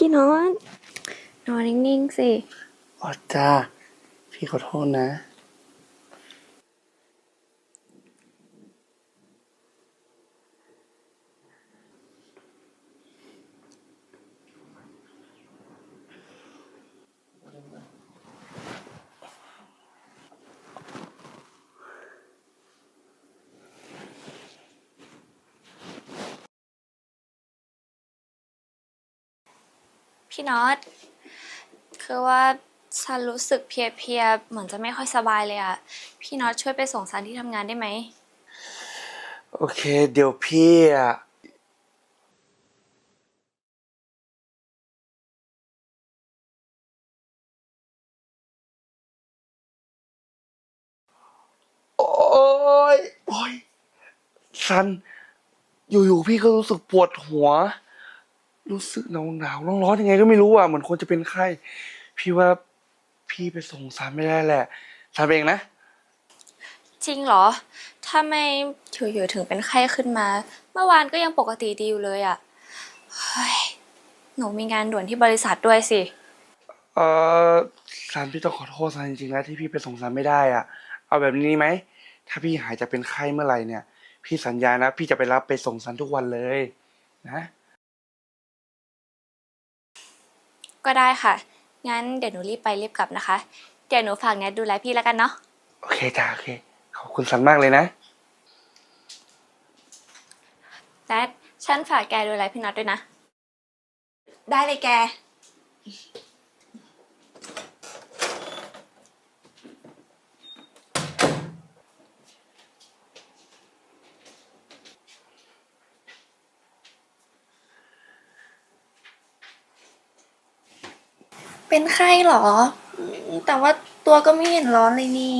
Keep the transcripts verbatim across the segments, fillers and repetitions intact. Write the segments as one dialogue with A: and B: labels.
A: พี่น็อตนอนนิ่งๆสิ
B: อ๋อจ้าพี่ขอโทษนะ
A: พี่น็อตคือว่าฉันรู้สึกเพลียๆเหมือนจะไม่ค่อยสบายเลยอะพี่น็อตช่วยไปส่งฉันที่ทำงานได้ไหม
B: โอเคเดี๋ยวพี่อ่ะโอ้ยโอ้ยซันอยู่ๆพี่ก็รู้สึกปวดหัวรู้สึกหนาวหนาวร้อนร้อนๆยังไงก็ไม่รู้อ่ะเหมือนคนจะเป็นไข้พี่ว่าพี่ไปส่งซันไม่ได้แหละซันเองนะ
A: จริงเหรอทำไมอยู่ๆถึงเป็นไข้ขึ้นมาเมื่อวานก็ยังปกติดีอยู่เลยอะเฮ้ยหนูมีงานด่วนที่บริษัทด้วยสิ
B: เออซันพี่ต้องขอโทษซันจริงๆนะที่พี่ไปส่งซันไม่ได้อ่ะเอาแบบนี้ไหมถ้าพี่หายจากเป็นไข้เมื่อไหร่เนี่ยพี่สัญญานะพี่จะไปรับไปส่งซันทุกวันเลยนะ
A: ก็ได้ค่ะงั้นเดี๋ยวหนูรีบไปรีบกลับนะคะเดี๋ยวหนูฝากแนทดูแลพี่แล้วกันเนาะ
B: โอเคจ้าโอเคขอบคุณซันมากเลยนะ
A: แนทฉันฝากแกดูแลพี่น็อตด้วยนะ
C: ได้เลยแกเป็นไข้เหรออืมแต่ว่าตัวก็ไม่เห็นร้อนเลยนี่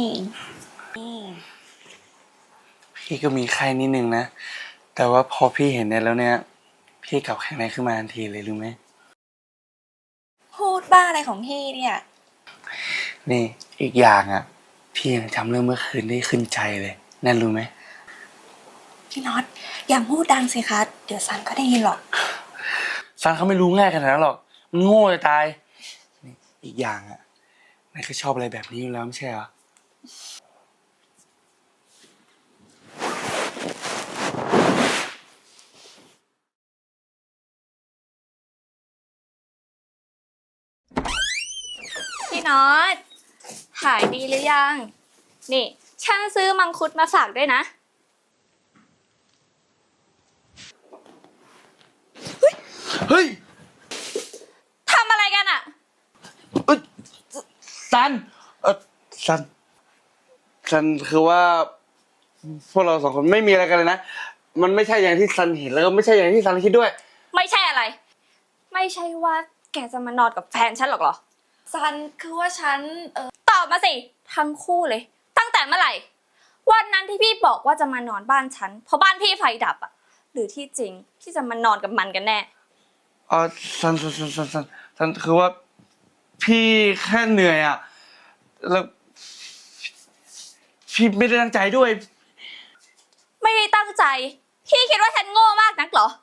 B: พี่ก็มีไข้นิดนึงนะแต่ว่าพอพี่เห็นเนี่ยแล้วเนี่ยพี่กลับแข็งแรงขึ้นมาทันทีเลยรู้ไหม
C: พูดบ้าอะไรของพี่เนี่ย
B: นี่อีกอย่างอ่ะพี่ยังจำเรื่องเมื่อคืนได้ขึ้นใจเลยนั่นรู้ไหม
C: พี่น็อตอย่าพูดดังสิคะเดี๋ยวซันก็ได้ยินหรอก
B: ซันเขาไม่รู้ง่ายขนาดนั้นหรอกมันโง่จะตายนี่อีกอย่างอ่ะนายก็ชอบอะไรแบบนี้อยู่แล้วไม่ใช่เหรอ
A: พี่น็อตหายดีหรือยัง นี่ฉันซื้อมังคุดมาฝากด้วยนะ
B: เฮ้ย
A: ทำอะไรกันอะ
B: เอ้ยซันเออซันซันคือว่าพวกเราสองคนไม่มีอะไรกันเลยนะมันไม่ใช่อย่างที่ซันเห็นแล้วก็ไม่ใช่อย่างที่ซันคิดด้วย
A: ไม่ใช่อะไร ไม่ใช่ว่าแกจะมานอนกับแฟนฉันหรอกเหรอ
C: ซันคือว่าฉันเออ
A: ตอบมาสิ ทั้งคู่เลย ตั้งแต่เมื่อไหร่ วันนั้นที่พี่บอกว่าจะมานอนบ้านฉัน เพราะบ้านพี่ไฟดับอะหรือที่จริงพี่จะมานอนกับมันกันแน่
B: อ๋อซันซันซันซันซันซันคือว่าพี่แค่เหนื่อยอ่ะแล้วพี่ไม่ได้ตั้งใจด้วย
A: ไม่ได้ตั้งใจ พี่คิดว่าฉันโง่มากนักเหรอ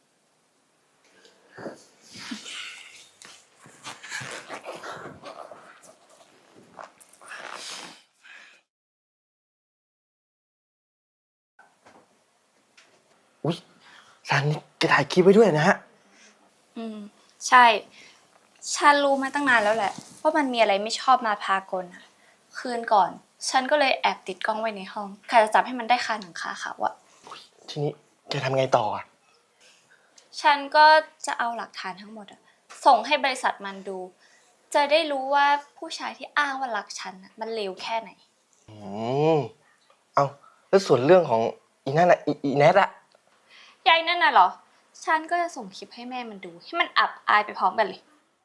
D: อุ๊ยซันนี่แกถ่ายคลิปไว้ด้วยนะฮะ
A: อืมใช่ ฉันรู้มาตั้งนานแล้วแหละว่ามันมีอะไรไม่ชอบมาพากลอะคืนก่อน ฉันก็เลยแอบติดกล้องไว้ในห้องใครจะจับให้มันได้คาหนังคาเขาอะ
D: ทีนี้แกทำไงต่ออ่ะ
A: ฉันก็จะเอาหลักฐานทั้งหมดอะส่งให้บริษัทมันดู จะได้รู้ว่าผู้ชายที่อ้างว่ารักฉันอะมันเลวแค่ไหน
D: อืมเอาแล้วส่วนเรื่องของอีนั่นอ่ะอีอีแนทอ่ะ
A: ยายนั่นน่ะเหรอ ฉันก็จะส่งคลิปให้แม่มันดู ให้มันอับอายไปพร้อมกันเลย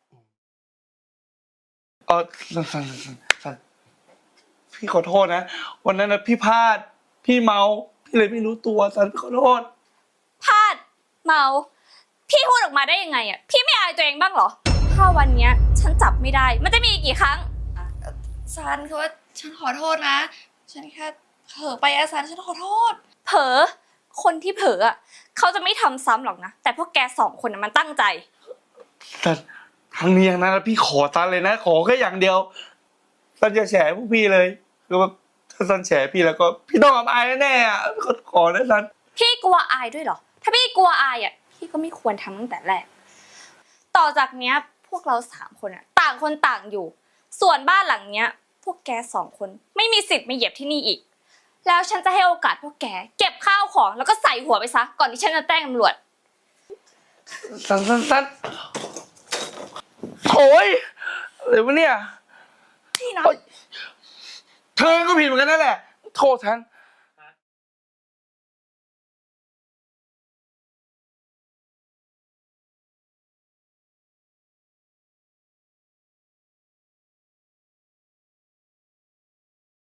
B: อ๋อซันซันซันซันซันพี่ขอโทษนะวันนั้นนะพี่พลาดพี่เมาพี่เลยไม่รู้ตัวซันพี่ขอโทษ
A: พลาดเมาพี่พูดออกมาได้ยังไงอ่ะพี่ไม่อายตัวเองบ้างเหรอถ้าวันเนี้ยฉันจับไม่ได้มันจะมีอีกกี่ครั้ง
C: ซันคือว่าฉันขอโทษนะ ฉันแค่เผลอไปอะซันฉันขอโทษ
A: เผลอคนที่เผลออ่ะเขาจะไม่ทำซ้ำหรอกนะแต่พวกแกสองคนน่ะมันตั้งใจ
B: ซันทางนี้อย่างนั้นนะพี่ขอซันเลยนะ ขอแค่อย่างเดียวซันจะแฉพวกพี่เลยคือว่าถ้าซันแฉพี่แล้วก็พี่ต้องอับอายแน่ๆอ่ะขอขอนะซัน
A: พี่กลัวอายด้วยเหรอ ถ้าพี่กลัวอายอ่ะ พี่ก็ไม่ควรทำตั้งแต่แรก ต่อจากเนี้ยพวกเราสามคนอ่ะ ต่างคนต่างอยู่ ส่วนบ้านหลังเนี้ย พวกแกสองคนไม่มีสิทธิ์มาเหยียบที่นี่อีก แล้วฉันจะให้โอกาสพวกแกเก็บข้าวของแล้วก็ใส่หัวไปซะ ก่อนที่ฉันจะแจ้งตำรวจ
B: ซันซันซันโถ่ยอะไรวะเนี่ย
C: พี่นะ
B: โอ๊ยเธอก็ผิดเหมือนกันนั่นแหละ โทษฉัน